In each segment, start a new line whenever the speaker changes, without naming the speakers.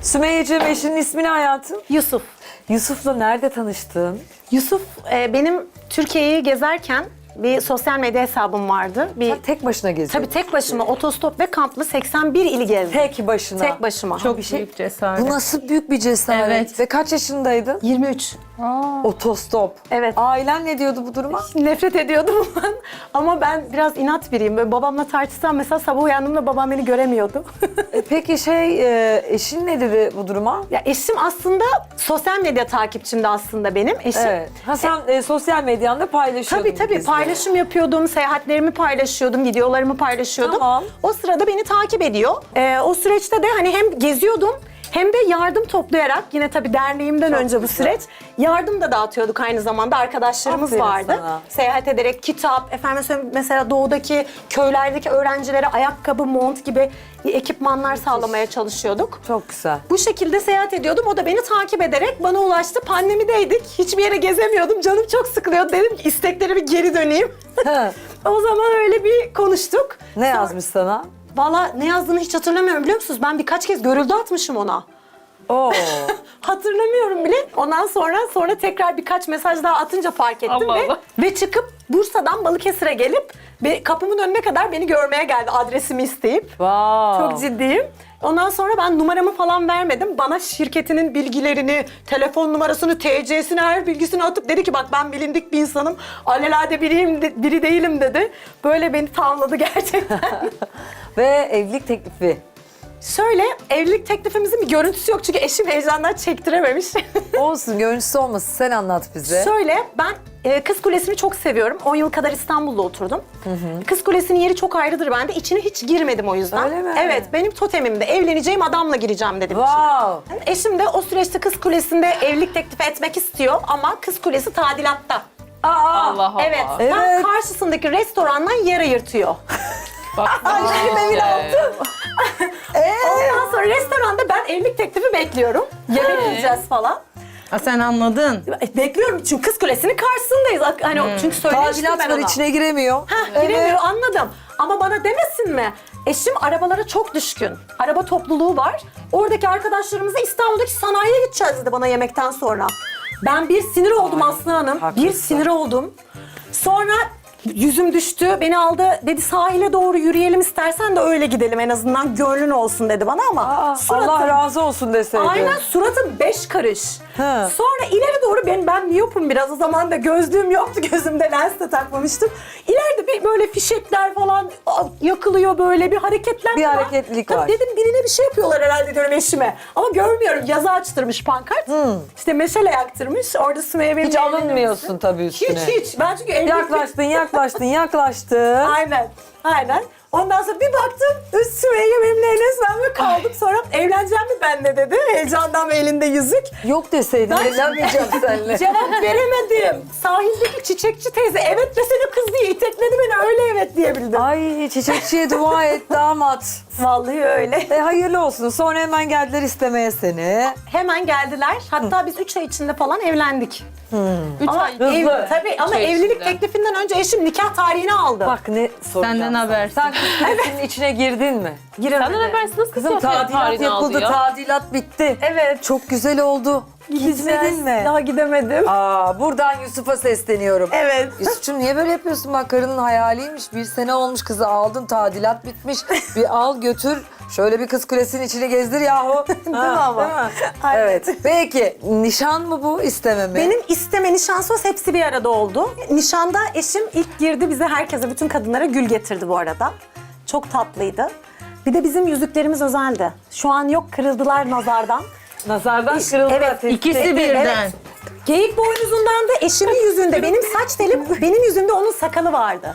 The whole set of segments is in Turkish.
Sümeyye'ciğim eşinin ismi ne hayatım?
Yusuf.
Yusuf'la nerede tanıştın?
Yusuf benim Türkiye'yi gezerken bir sosyal medya hesabım vardı.
Tek başına geziyordun.
Tabii tek başıma otostop ve kamplı 81 ili gezdim.
Tek başına.
Tek başıma.
Çok büyük cesaret.
Bu nasıl büyük bir cesaret.
Evet.
Ve kaç yaşındaydın?
23.
Otostop.
Evet.
Ailen ne diyordu bu duruma?
Nefret ediyordum ben. Ama ben biraz inat biriyim. Böyle babamla tartışsam mesela sabah uyandığımda babam beni göremiyordu.
Peki eşin ne dedi bu duruma?
Ya eşim aslında sosyal medya takipçimdi aslında benim eşim.
Evet. Ha sen sosyal medyanda paylaşıyordun.
Tabii
bizle.
paylaşım yapıyordum, seyahatlerimi paylaşıyordum, videolarımı paylaşıyordum.
Tamam.
O sırada beni takip ediyor. O süreçte de hani hem geziyordum hem de yardım toplayarak yine tabii derneğimden
Çok
önce bu
güzel.
süreç yardım da dağıtıyorduk aynı zamanda arkadaşlarımız
Aferin
vardı.
sana.
Seyahat ederek kitap, efendim söyleyeyim mesela doğudaki köylerdeki öğrencilere ayakkabı, mont gibi ekipmanlar sağlamaya çalışıyorduk.
Çok güzel.
Bu şekilde seyahat ediyordum. O da beni takip ederek bana ulaştı. Pandemideydik. Hiçbir yere gezemiyordum. Canım çok sıkılıyordu. Dedim ki istekleri bir geri döneyim. O zaman öyle bir konuştuk.
Ne yazmış sana?
Valla ne yazdığını hiç hatırlamıyorum biliyor musunuz? Ben birkaç kez görüldü atmışım ona.
Oo.
Hatırlamıyorum bile. Ondan sonra tekrar birkaç mesaj daha atınca fark ettim
Allah
ve
Allah.
ve çıkıp Bursa'dan Balıkesir'e gelip kapımın önüne kadar beni görmeye geldi adresimi isteyip.
Wow.
Çok ciddiyim. Ondan sonra ben numaramı falan vermedim. Bana şirketinin bilgilerini, telefon numarasını, TC'sini, her bilgisini atıp dedi ki bak ben bilindik bir insanım. Alelade biri değilim dedi. Böyle beni tavladı gerçekten.
Ve evlilik teklifi.
Şöyle evlilik teklifimizin bir görüntüsü yok çünkü eşim heyecandan çektirememiş.
Olsun, görüntüsü olmasın. Sen anlat bize.
Şöyle ben Kız Kulesi'ni çok seviyorum. 10 yıl kadar İstanbul'da oturdum. Kız Kulesi'nin yeri çok ayrıdır bende. İçine hiç girmedim o yüzden.
Öyle mi?
Evet, benim totemimde evleneceğim adamla gireceğim dedim içine.
Wow.
Eşim de o süreçte Kız Kulesi'nde evlilik teklifi etmek istiyor ama Kız Kulesi tadilatta.
Allah Allah.
Evet, tam
Evet.
karşısındaki restorandan yer ayırtıyor.
Bak,
Benim evin altı. Ondan sonra restoranda ben evlilik teklifi bekliyorum. Yemek yiyeceğiz falan.
Ha, sen anladın.
Bekliyorum çünkü Kız Kulesi'nin karşısındayız. Hani çünkü söylemiştim
Tadilat
ben
var,
ona.
içine giremiyor.
Giremiyor anladım. Ama bana demesin mi? Eşim arabalara çok düşkün. Araba topluluğu var. Oradaki arkadaşlarımızla İstanbul'daki sanayiye gideceğiz dedi bana yemekten sonra. Ben bir sinir oldum Aslı Hanım.
haklısın.
Bir sinir oldum. Sonra yüzüm düştü. Beni aldı dedi sahile doğru yürüyelim istersen de öyle gidelim en azından gönlün olsun dedi bana ama
Allah razı olsun deseydi.
aynen suratım 5 karış.
He.
Sonra ileri doğru ben miyopum biraz o zaman da gözlüğüm yoktu gözümde lens de takmamıştım. İleride bir böyle fişekler falan yakılıyor böyle bir hareketlenme
Bir
var.
hareketlilik
Tabii
var.
dedim birine bir şey yapıyorlar herhalde diyorum eşime. Ama görmüyorum yazı açtırmış pankart. İşte meşale yaktırmış orada Sümeyye benim
Hiç alınmıyorsun tabii üstüne.
Hiç. Ben çünkü evlilik...
Yaklaştın.
Aynen. Ondan sonra bir baktım Sümeyye benimle evlenmez. Ben böyle kaldım. Sonra evleneceğim mi benle dedi. Heyecandan ve elinde yüzük.
Yok deseydin evlenmeyeceğim seninle.
Cevap veremedim. Sahildeki çiçekçi teyze evet desene kız diye itekledi beni öyle evet diyebildim.
Ay çiçekçiye dua et damat.
Vallahi öyle.
Hayırlı olsun. Sonra hemen geldiler istemeye seni.
Hemen geldiler. Hatta biz 3 ay içinde falan evlendik.
3
Ama,
ay.
tabii ama
ay
evlilik
içinde.
teklifinden önce eşim nikah tarihini aldı.
Bak ne soracağım
Senden
sana.
habersiz.
Sen kız kulesinin içine girdin mi?
Giremedi.
Senden habersiz nasıl
Kızım
Sofya
tadilat
tarihini aldı
yapıldı,
ya?
tadilat bitti.
Evet.
Çok güzel oldu. Gitmedin mi?
Daha gidemedim.
Buradan Yusuf'a sesleniyorum.
Evet.
Yusuf'cum niye böyle yapıyorsun? Bak karının hayaliymiş. 1 sene olmuş kızı aldın, tadilat bitmiş. Bir al götür. Şöyle bir kız kulesinin içini gezdir yahu. Değil
mi ama?
Değil mi?
Aynen.
Evet. Peki nişan mı bu, isteme mi?
Benim isteme, nişan, söz hepsi bir arada oldu. Nişanda eşim ilk girdi bize herkese, bütün kadınlara gül getirdi bu arada. Çok tatlıydı. Bir de bizim yüzüklerimiz özeldi. Şu an yok, kırıldılar nazardan.
Nazardan kırıldı.
Evet,
İkisi birden.
Evet. Geyik boynuzundan da eşimin yüzünde, benim saç telim, benim yüzümde onun sakalı vardı.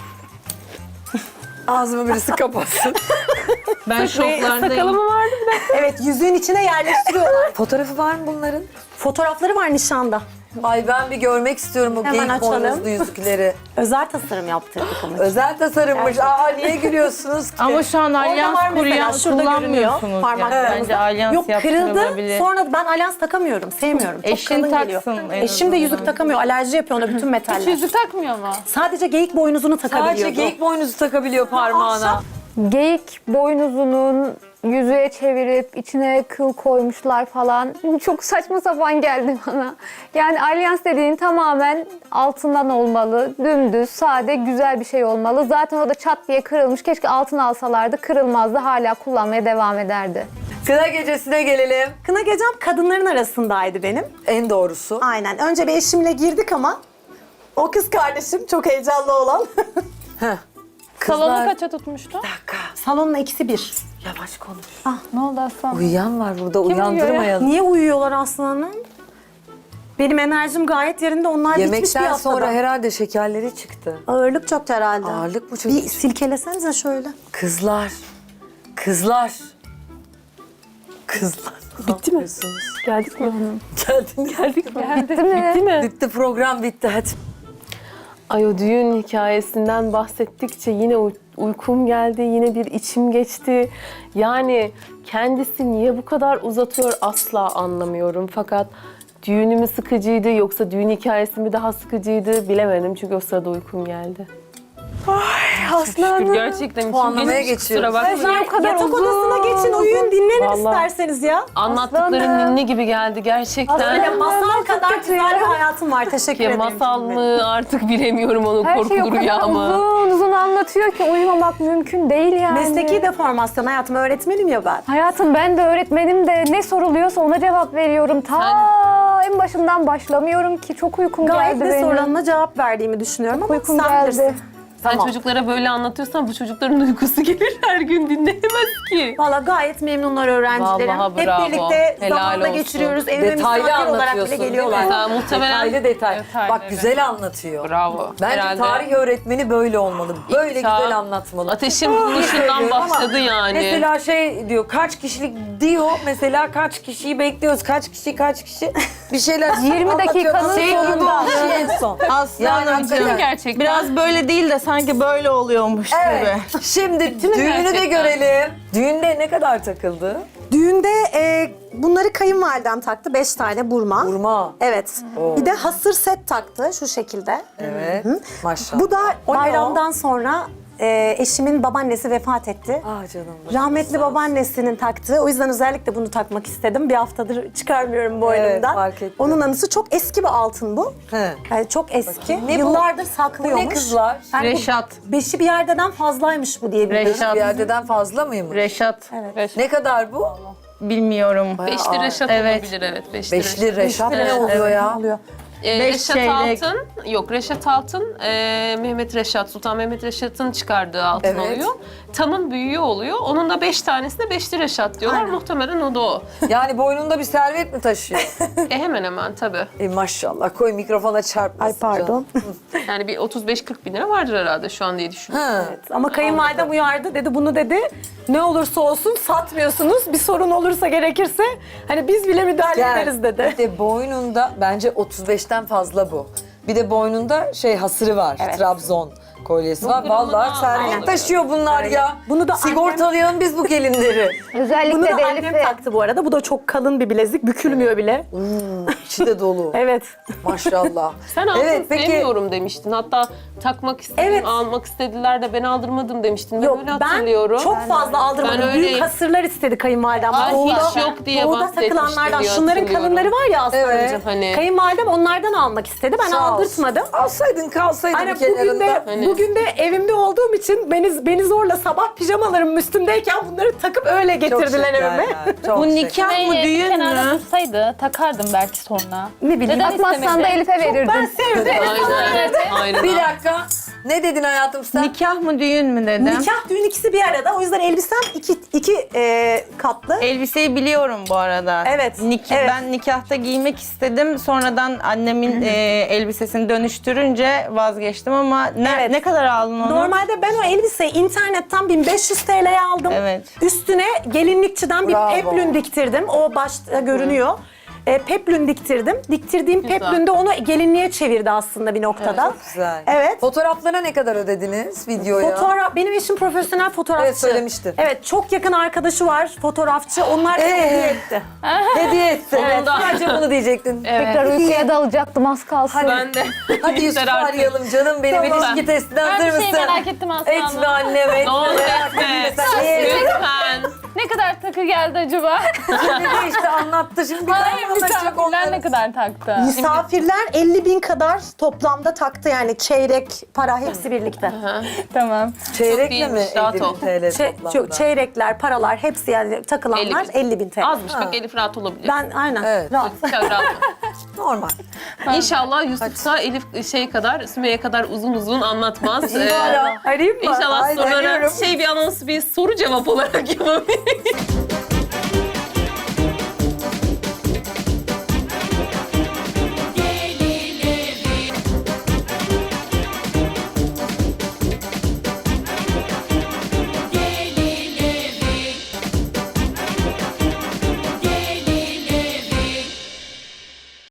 Ağzımı birisi kapatsın.
Ben şoklardayım.
vardı bir de. Evet, yüzüğün içine yerleştiriyorlar.
Fotoğrafı var mı bunların?
Fotoğrafları var nişanda.
Ay ben bir görmek istiyorum o
Hemen
geyik
açalım.
boynuzlu yüzükleri.
Özel tasarım yaptırdık onun.
Özel tasarımmış.
Gerçekten.
Niye gülüyorsunuz ki?
Ama şu an
Orada
alyans
var mesela,
kuruyan
şurada görünüyor
kullanmıyorsunuz.
parmaklarımızda.
Bence alyans
Yok, kırıldı.
yaptırılabilir.
Sonra ben alyans takamıyorum. Sevmiyorum. Çok
Eşin
kalın geliyor.
taksın en
Eşim de
azından.
yüzük takamıyor. Alerji yapıyor ona bütün metaller.
Hiç yüzük takmıyor mu?
Sadece geyik boynuzunu takabiliyordu.
Sadece geyik boynuzu takabiliyor parmağına.
Ahşap.
Geyik boynuzunun yüzüğe çevirip içine kıl koymuşlar falan. Çok saçma sapan geldi bana. Yani alyans dediğin tamamen altından olmalı. Dümdüz, sade, güzel bir şey olmalı. Zaten o da çat diye kırılmış. Keşke altın alsalardı, kırılmazdı. Hala kullanmaya devam ederdi.
Kına gecesine gelelim.
Kına gecem kadınların arasındaydı benim.
En doğrusu.
Aynen. Önce bir eşimle girdik ama o kız kardeşim çok heyecanlı olan.
Heh.
Salonu kaça tutmuştu?
Salonun eksi bir.
Yavaş konuş.
Ne oldu aslan?
Uyuyan var burada,
uyuyor ya?
uyandırmayalım.
Niye uyuyorlar aslanım? Benim enerjim gayet yerinde. Onlar bitmiş bir
Yemekten
haftada.
sonra herhalde şekerleri çıktı.
Ağırlık çok herhalde.
Ağırlık mı çok?
Bir silkelesenize şöyle.
Kızlar. Kızlar. Kızlar.
Bitti mi? Geldik mi?
Geldik mi?
Bitti mi?
Bitti mi?
Bitti, program bitti hadi.
Ay o düğün hikayesinden bahsettikçe yine uykum geldi, yine bir içim geçti. Yani kendisi niye bu kadar uzatıyor asla anlamıyorum. Fakat düğünü mü sıkıcıydı yoksa düğün hikayesi mi daha sıkıcıydı bilemedim çünkü o sırada uykum geldi. Şükür, gerçekten
Puanlamaya
içim geçti, kusura
geçiyoruz.
bakma.
o kadar
Yatak
uzun.
odasına geçin, uyuyun, dinlenin
Vallahi.
isterseniz ya.
Anlattıkların
Aslanım.
ninni gibi geldi gerçekten.
Böyle masal kadar güzel bir hayatım var. Teşekkür
Ya
ederim.
masal mı artık bilemiyorum onun
Her şey o
korkulu
kadar
rüya mı.
uzun uzun anlatıyor ki uyumamak mümkün değil yani.
Mesleki deformasyon hayatım, öğretmenim ya ben.
Hayatım ben de öğretmenim de ne soruluyorsa ona cevap veriyorum. En başından başlamıyorum ki çok uykum
Gayet
geldi
de
benim.
sorularına cevap verdiğimi düşünüyorum ama
Uykum
sen
geldi.
bilirsin.
Sen
Tamam.
çocuklara böyle anlatıyorsan bu çocukların uykusu gelir her gün dinleyemez ki.
Valla gayet memnunlar öğrencilerim.
Vallahi
Hep
bravo.
birlikte
Helal
zamanla
olsun.
geçiriyoruz. Evime
Detaylı
misafir olarak bile
anlatıyorsun değil mi?
geliyorlar.
Mesela muhtemelen
Detaylı detay.
Detaylı,
Bak
evet.
güzel anlatıyor.
Bravo.
Bence
Herhalde
tarih öğretmeni böyle olmalı. Böyle
İktisat,
güzel anlatmalı.
Ateşin buluşundan
Söylüyorum ama
başladı yani.
Mesela şey diyor, kaç kişilik diyor. Mesela kaç kişiyi bekliyoruz, kaç kişi. Bir şeyler
20
anlatıyor.
dakikanın
Şey gibi
sonunda.
oldu, en son.
Aslanım
hakikaten.
Gerçekten.
Biraz böyle değil de sanki böyle oluyormuş
Evet.
gibi.
Şimdi düğünü de
gerçekten?
görelim. Düğünde ne kadar takıldı?
Düğünde bunları kayınvalidem taktı. 5 tane burma.
Burma.
Evet.
Oo.
Bir de hasır set taktı şu şekilde.
Evet. Maşallah.
Bu da
O ne
bayramdan sonra eşimin babaannesi vefat etti.
Ah canım.
Rahmetli babaannesinin taktığı. O yüzden özellikle bunu takmak istedim. Bir haftadır çıkarmıyorum boynumdan.
fark ettim.
Onun anısı çok eski bir altın bu.
He.
Yani çok eski.
Ne bu?
Yıllardır
Bu
saklıyormuş.
ne kızlar?
Yani bu
Reşat.
beşi bir yerdeden fazlaymış bu diye biliyorum.
Reşat.
Bir yerdeden fazla mıymış?
Reşat.
Ne kadar bu?
Bilmiyorum.
Beşli Reşat
Evet.
olabilir evet.
Beşli Reşat ne
Evet,
oluyor ya?
Oluyor.
Beş
Reşat
çeyrek.
Altın, yok Reşat Altın, Mehmet Reşat, Sultan Mehmet Reşat'ın çıkardığı altın
Evet.
oluyor. Tamın büyüğü oluyor. Onun da 5 tanesine Beşli Reşat diyorlar.
Aynen.
Muhtemelen o da o.
Yani boynunda bir servet mi taşıyor?
Hemen hemen tabii.
Maşallah koy mikrofona çarpmasın.
Ay pardon.
Yani bir 35-40 bin lira vardır herhalde şu an diye düşünüyorum.
Ha.
Ama kayınvalidem uyardı dedi bunu dedi. Ne olursa olsun satmıyorsunuz. Bir sorun olursa gerekirse hani biz bile müdahale ederiz dedi.
Bir de boynunda bence 35'ten fazla bu. Bir de boynunda hasırı var.
Evet.
Trabzon kolyesi var.
gramına
Vallahi servet
aynen.
taşıyor bunlar ya.
Bunu da
sigortalayalım biz bu gelinleri.
Özellikle
Bunu da
de
annem
Elif'e.
taktı bu arada. Bu da çok kalın bir bilezik. Bükülmüyor bile.
İçi de dolu.
Evet.
Maşallah.
Sen altın
Evet, peki-
sevmiyorum demiştin. Hatta takmak istedim,
Evet.
almak istediler de ben aldırmadım demiştin. Ben
Yok
öyle
ben
hatırlıyorum.
çok fazla aldırmadım.
Ben
Büyük
öyleyim.
hasırlar istedi kayınvalidem.
Ay,
Doğuda-
hiç yok diye
Doğuda
bahsetmişti
takılanlardan.
diye
Şunların
hatırlıyorum.
kalınları var ya aslanım.
Evet.
Hani-
Kayınvalidem onlardan almak istedi. Ben
Sağ olsun.
aldırtmadım.
Alsaydın kalsaydın
Hani
kenarında.
bugün de evimde olduğum için beni zorla sabah pijamalarım üstümdeyken bunları takıp öyle getirdiler evime.
Bu nikah mı düğün
kenarda
mü?
dursaydı takardım belki sonra.
Ne bileyim.
Neden
Atmazsan da
istemedi?
Elif'e verirdin.
Ben sevdim.
Aynen. Aynen.
Bir dakika. Ne dedin hayatım sen?
Nikah mı düğün mü dedim.
Nikah düğün ikisi bir arada. O yüzden elbisem iki katlı.
Elbiseyi biliyorum bu arada.
Evet, evet.
Ben nikahta giymek istedim. Sonradan annemin elbisesini dönüştürünce vazgeçtim ama
Evet.
ne kadar aldın onu?
Normalde ben o elbiseyi internetten 1500 TL'ye aldım.
Evet.
Üstüne gelinlikçiden bir
Bravo.
peplün diktirdim. O başta görünüyor. Peplün diktirdim. Diktirdiğim
Güzel.
peplün de onu gelinliğe çevirdi aslında bir noktada.
Güzel.
Evet.
Fotoğraflara ne kadar ödediniz videoya?
Fotoğraf, benim eşim profesyonel fotoğrafçı.
Evet, söylemiştin.
Evet, çok yakın arkadaşı var fotoğrafçı. Onlar da hediye etti.
Hediye etti.
Evet.
Sadece bunu diyecektin.
Tekrar uykuya dalacaktım az kalsın.
Ben de.
Hadi Yusuf'u
Yeter artık.
arayalım canım benim
Tamam.
ilişki testine
Ben
hazır
bir
mısın?
şey merak ettim aslında.
Etme annem etme.
Ne olur
Merak etme
etme.
sen.
Lütfen.
Ne kadar takı geldi acaba?
Şimdi de işte anlattı. Şimdi bir
Hayır,
daha anlatacak
misafirler
onları.
ne kadar taktı?
Misafirler 50.000 kadar toplamda taktı yani çeyrek para hepsi birlikte.
Tamam.
Çeyrekle mi
değilmiş, rahat
50.000
ol.
TL toplamda?
Yok, çeyrekler, paralar hepsi yani takılanlar 50.000 TL.
Azmış bak Elif rahat olabilir.
Ben aynen
Evet.
rahat.
Çok rahat ol.
Normal.
İnşallah Yusuf da Elif kadar, Sümeyye kadar uzun uzun anlatmaz.
Arayayım mı?
İnşallah
Ay,
sorulara
deniyorum.
bir anonsu bir soru cevap olarak yapabiliriz.